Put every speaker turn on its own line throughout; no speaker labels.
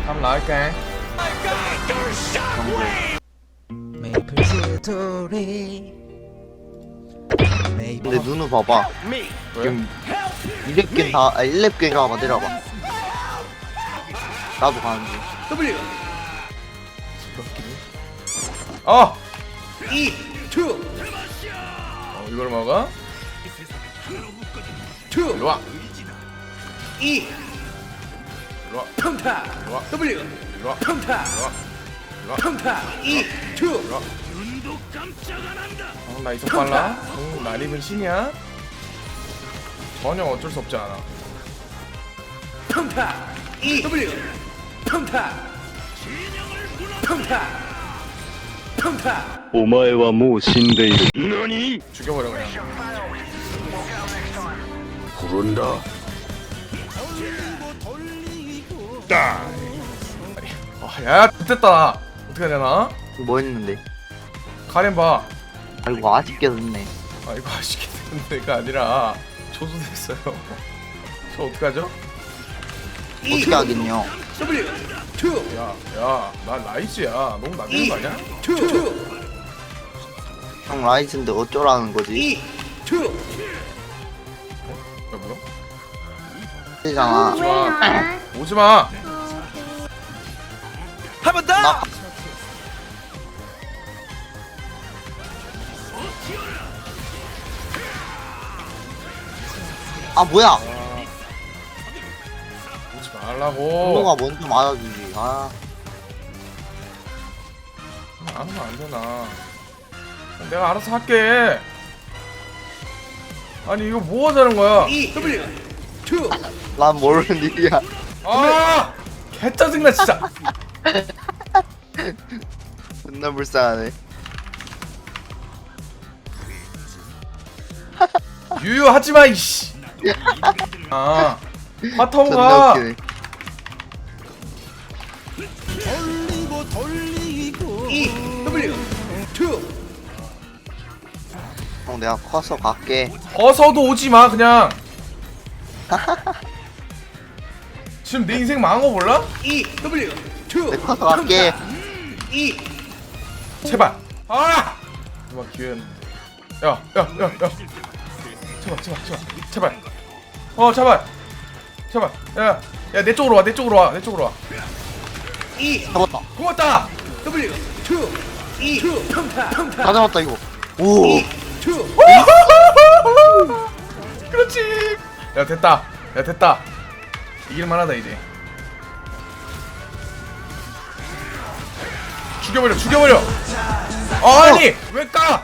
한번 나갈게.
메이플 스토리.
근데 눈을 봐봐.
왜?
지금 2렙 다, 1렙 갱가 내려봐. 나도 가는 중.
W
어!
E 2
이걸 먹어?
2
일로와.
E
일로와.
평타
일로와.
W
일로와.
평타
일로와. 일로와.
평타 E 2
일로와. 나 이속 빨라? 날 입은 신이야? 전혀 어쩔 수 없지 않아.
평타 E W 평타 평타 평타
お前はもう死んでいる。何？
죽여버려 그냥.
부른다.
야, 됐다. 어떻게 해야 되나?
뭐 했는데?
가렘 봐.
아이고, 아쉽게 됐네.
아, 이거 아쉽게 된 데가 아니라 조수됐어요. 저 어떡하죠?
어떻게 하겠냐?
W 2
야, 나 라이즈야. 너무 낮은 거 아니야?
2
형 라이즈인데 어쩌라는 거지?
E 2
야, 뭐야?
되잖아.
오지마.
한 번 더!
나 아 뭐야?
오지 말라고.
분노가 먼저 맞아주지. 아
안 하면 안 되나? 내가 알아서 할게. 아니 이거 뭐 하자는 거야?
E W 2
난 모르는 일이야.
아! 개 짜증나 진짜.
존나 불쌍하네.
유유하지 마 이씨. 아,
존나
바텀가.
웃기네.
E W 2
형 내가 커서 갈게.
어서도 오지 마 그냥. 지금 내 인생 망한 거 몰라?
E W 2
내 커서 갈게.
E
제발. 아! 이번 기회는. 야. 제발. 제발. 야, 내 쪽으로 와. 내 쪽으로 와.
E
잡았다.
고맙다.
W 2 E 2 평타
다 잡았다 이거. 오.
E 2
그렇지. 야 됐다. 이길만하다 이제. 죽여버려. 아니 왜 까?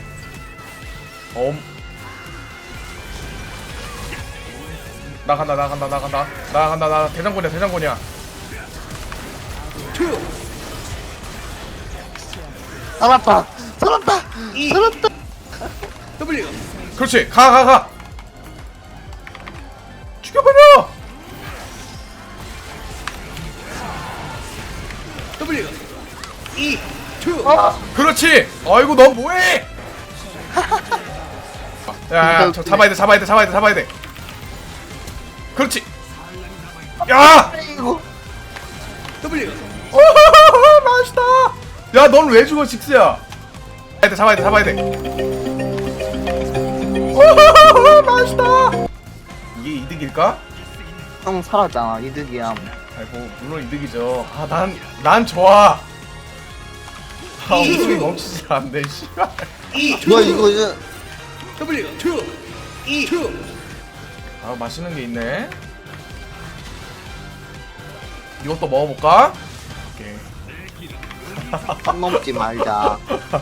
나간다. 대장군이야.
2
살았다.
E W
그렇지. 가. 죽여버려.
W E 2
그렇지. 아이고 너 뭐해? 야, 저 잡아야 돼. 그렇지. 야!
이거
W
맛있다. 야, 넌 왜 죽어, 직스야? 잡아야 돼. 맛있다. 이게 이득일까?
형 살았잖아. 이득이야.
아이고, 물론 이득이죠. 아, 난 좋아. 아, 웃음이 멈추지 않네, 씨발.
E
뭐야 이거
W 2 E 2
아, 맛있는 게 있네. 이것도 먹어볼까? 오케이.
선 넘지 말자.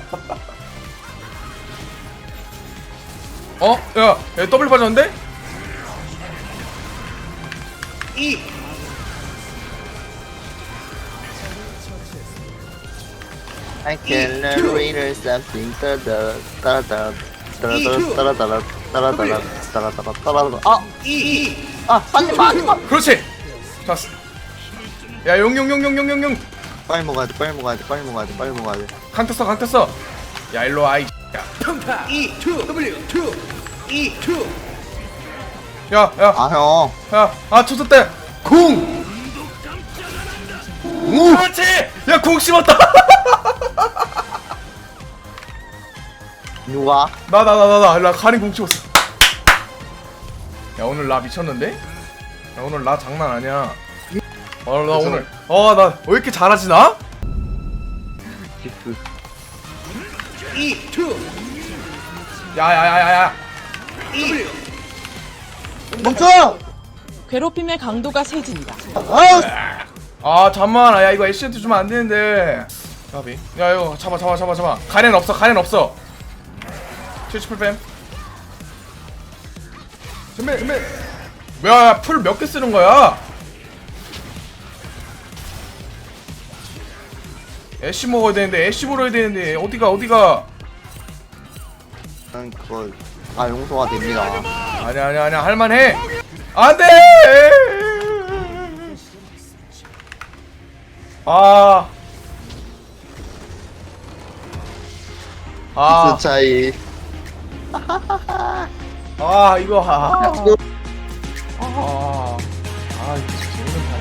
야, 더블 빠졌는데?
E
I can read something. 아,
E
하지 마.
그렇지. 좋았어. 야, 용.
빨리 먹어야 돼.
강탔어. 야, 일로 와. 야,
평타 E 2 W 2 E 2
야.
아 형.
야, 아, 초쳤대. 궁. 그렇지. 야 공 씹었다.
누가?
나 가린 공 씹었어. 야 오늘 나 미쳤는데? 야 오늘 나 장난 아니야. 나 오늘 나 왜 이렇게 잘하지 나?
지스.
E 2
야야야야야.
W
멈춰!
괴롭힘의 강도가 세진다.
아 잠만. 야 이거 애쉬한테 주면 안 되는데. 야비. 야 이거 잡아. 가렌 없어. 78뱀. 준비. 뭐야 풀 몇 개 쓰는 거야? 애쉬 먹어야 되는데 애쉬 물어야 되는데 어디가?
난 그걸 다 용서가 됩니다.
아니야 할만해. 안돼.
지스 차이.
이거 이거 진짜 오늘